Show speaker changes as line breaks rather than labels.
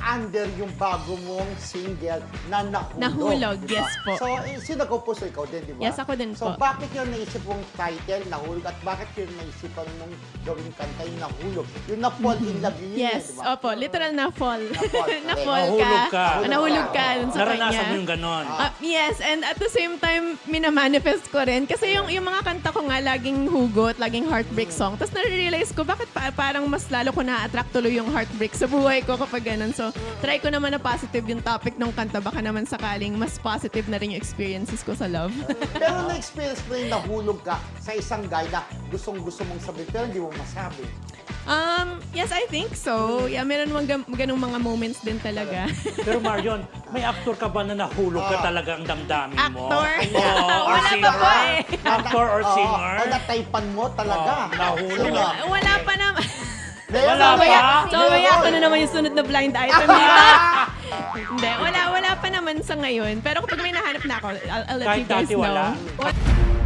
under yung bago mong single na Nahulog.
Nahulog,
diba?
yes po.
So, sino nag-compose? Ikaw din, di ba?
Yes, ako din
so,
po.
bakit yung naisip mong title, Nahulog, at bakit yung naisipan mong gawing kanta, yung Nahulog? Yung na-fall in love yun,
Yes,
di ba?
opo, literal na fall.
Na-fall,
Na-fall
Nahulog
ka.
ka.
Nahulog ka dun sa
Naranasan
kanya.
mo yung ganon.
Yes, and at the same time, minamanifest ko rin. Kasi yung mga kanta ko nga, laging hugot, laging heartbreak song. Tapos nare-realize ko, bakit parang mas lalo ko na-attract tuloy yung heartbreak sa buhay ko kapag ganun. So, try ko naman na positive yung topic ng kanta. Baka naman sakaling mas positive na rin yung experiences ko sa love.
Pero na-experience mo yung nahulog ka sa isang guy na gustong-gusto mong sabihin, pero hindi mo masabi.
Yes, I think so. Yeah, meron mga ganung mga moments din talaga.
Pero Marion, may aktor ka ba na nahulog ka talaga ang damdamin mo?
Actor?
Oo, or
Wala pa
singer?
po eh.
Actor or singer?
O nataypan mo talaga.
Nahulog.
Sino?
Wala pa naman.
Wala
So,
pa?
maya ako na naman yung sunod na blind item dito. Hindi, wala pa naman sa ngayon. Pero kapag may nahanap na ako, I'll let
Kahit
you guys
dati
know.
wala?